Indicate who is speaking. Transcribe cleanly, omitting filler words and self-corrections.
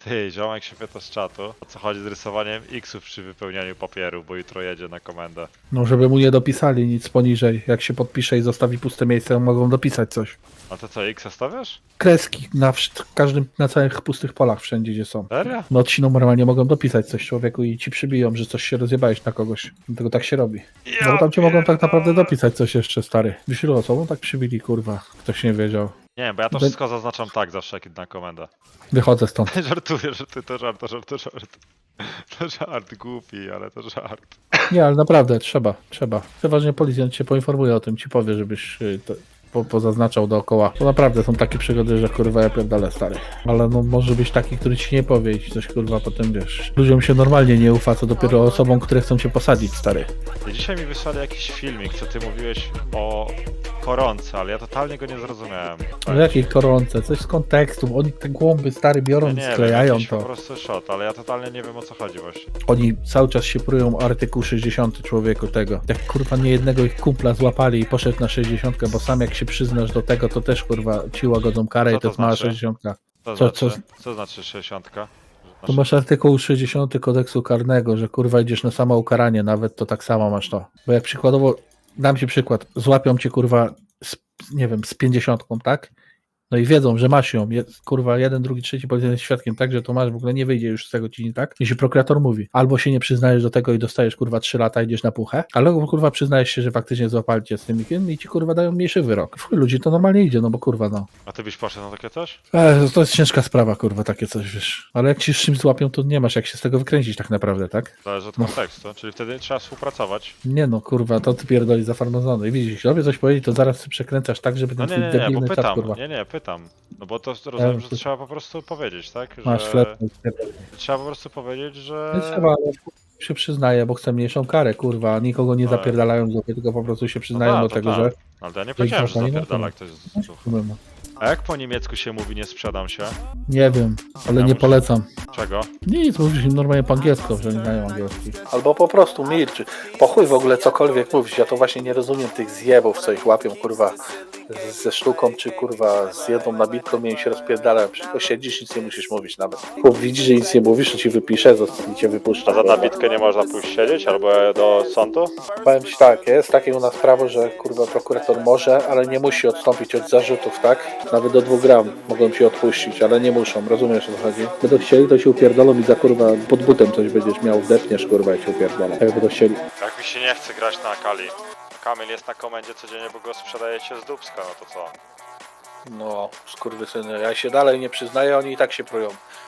Speaker 1: Ty, ziomek się pyta z czatu, o co chodzi z rysowaniem X-ów przy wypełnianiu papieru, bo jutro jedzie na komendę.
Speaker 2: No, żeby mu nie dopisali nic poniżej. Jak się podpisze i zostawi puste miejsce, mogą dopisać coś.
Speaker 1: A to co, X stawiasz?
Speaker 2: Kreski każdym, na całych pustych polach, wszędzie gdzie są.
Speaker 1: Serio?
Speaker 2: No ci normalnie mogą dopisać coś człowieku i ci przybiją, że coś się rozjebałeś na kogoś. Dlatego tak się robi. No bo tam ci mogą tak naprawdę dopisać coś jeszcze, stary. Wiesz ilu osobom tak przybili, kurwa. Ktoś nie wiedział.
Speaker 1: Nie, bo ja to wszystko zaznaczam tak zawsze, jak idę na komendę.
Speaker 2: Wychodzę stąd.
Speaker 1: Żartuję, że to żart, to żart, to żart. To żart głupi, ale to żart.
Speaker 2: Nie, ale naprawdę, trzeba. Przeważnie policjant cię poinformuje o tym, ci powie, żebyś to pozaznaczał dookoła. To naprawdę są takie przygody, że kurwa ja pierdolę, stary. Ale no może być taki, który ci nie powie i ci coś kurwa potem wiesz. Ludziom się normalnie nie ufa, co dopiero osobom, które chcą cię posadzić, stary.
Speaker 1: I dzisiaj mi wysłali jakiś filmik, co ty mówiłeś o koronce, ale ja totalnie go nie zrozumiałem.
Speaker 2: Ale jakiej koronce, coś z kontekstu. Oni te głąby, stary, biorą
Speaker 1: Ja
Speaker 2: i
Speaker 1: nie wiem,
Speaker 2: sklejają
Speaker 1: jakiś po
Speaker 2: to.
Speaker 1: prostu shot, ale ja totalnie nie wiem o co chodzi właśnie.
Speaker 2: Oni cały czas się prują o artykuł 60 człowieku tego. Jak kurwa nie jednego ich kumpla złapali i poszedł na 60, bo sam jak się przyznasz do tego, to też kurwa ci łagodzą karę
Speaker 1: Co
Speaker 2: i to
Speaker 1: to
Speaker 2: jest mała
Speaker 1: znaczy?
Speaker 2: 60.
Speaker 1: Co
Speaker 2: Co-
Speaker 1: znaczy? Co znaczy 60?
Speaker 2: To masz artykuł 60 kodeksu karnego, że kurwa idziesz na samo ukaranie, nawet to tak samo masz to. Bo jak przykładowo, dam ci przykład, złapią cię kurwa nie wiem, z 50, tak? No i wiedzą, że masz ją, kurwa, jeden, drugi, trzeci policjant jest świadkiem, tak, że to masz, w ogóle nie wyjdzie już z tego ci, tak? Jeśli prokurator mówi, albo się nie przyznajesz do tego i dostajesz, kurwa, 3 lata, idziesz na puchę, albo, kurwa, przyznajesz się, że faktycznie złapali cię z tym i ci, kurwa, dają mniejszy wyrok. W chuj ludzi to normalnie idzie, no bo, kurwa, no.
Speaker 1: A ty byś poszedł na takie coś?
Speaker 2: To jest ciężka sprawa, kurwa, takie coś, wiesz. Ale jak ci z czymś złapią, to nie masz jak się z tego wykręcić tak naprawdę, tak?
Speaker 1: Zależy od
Speaker 2: No.
Speaker 1: kontekstu, czyli wtedy trzeba współpracować.
Speaker 2: Nie no, kurwa, to ty pierdoli za farmazony. I widzisz, jeśli robię coś powiedzieć, to zaraz ty przekręcasz tak, żeby
Speaker 1: No
Speaker 2: ten
Speaker 1: nie,
Speaker 2: twój
Speaker 1: nie, nie, bo
Speaker 2: debilny czat,
Speaker 1: pytam,
Speaker 2: kurwa.
Speaker 1: nie, pytam. No bo to rozumiem, że
Speaker 2: to-
Speaker 1: trzeba po prostu powiedzieć, tak?
Speaker 2: Masz
Speaker 1: Że
Speaker 2: chleb.
Speaker 1: trzeba po prostu powiedzieć, że...
Speaker 2: Nie trzeba, ale się przyznaje, bo chcę mniejszą karę, kurwa. Nikogo nie
Speaker 1: Ale-
Speaker 2: zapierdalają z dupy, tylko po prostu się
Speaker 1: No
Speaker 2: przyznają do
Speaker 1: to
Speaker 2: tego,
Speaker 1: tak.
Speaker 2: że...
Speaker 1: Ale to ja nie powiedziałem, że
Speaker 2: zapali na
Speaker 1: zapierdala
Speaker 2: to.
Speaker 1: ktoś z ducha. A jak po niemiecku się mówi nie sprzedam się?
Speaker 2: Nie wiem, ale
Speaker 1: Ja
Speaker 2: nie
Speaker 1: muszę-
Speaker 2: polecam.
Speaker 1: Czego?
Speaker 2: Nic, mówisz im normalnie po angielsku, że nie znają angielski. Albo po prostu milczy. Po chuj w ogóle cokolwiek mówić. Ja to właśnie nie rozumiem tych zjebów, co ich łapią, kurwa, ze sztuką, czy kurwa z jedną nabitką i się rozpierdalają. Tylko siedzisz, nic nie musisz mówić nawet. Chłop widzi, że nic nie mówisz, to ci wypisze i cię wypuszcza.
Speaker 1: A za nabitkę nie można pójść siedzieć albo do sądu?
Speaker 2: Powiem ci tak, jest takie u nas prawo, że kurwa prokurator może, ale nie musi odstąpić od zarzutów, tak? Nawet do 2 gram mogą ci odpuścić, ale nie muszą, rozumiesz o co chodzi? Będą chcieli, to się upierdolą i za kurwa pod butem coś będziesz miał, depniesz kurwa i się upierdolą. Jak będą chcieli.
Speaker 1: Jak mi się nie chce grać na Akali. Kamil jest na komendzie codziennie, bo go sprzedajecie z dubska, no to co?
Speaker 2: No, skurwysyny, ja się dalej nie przyznaję, oni i tak się prują.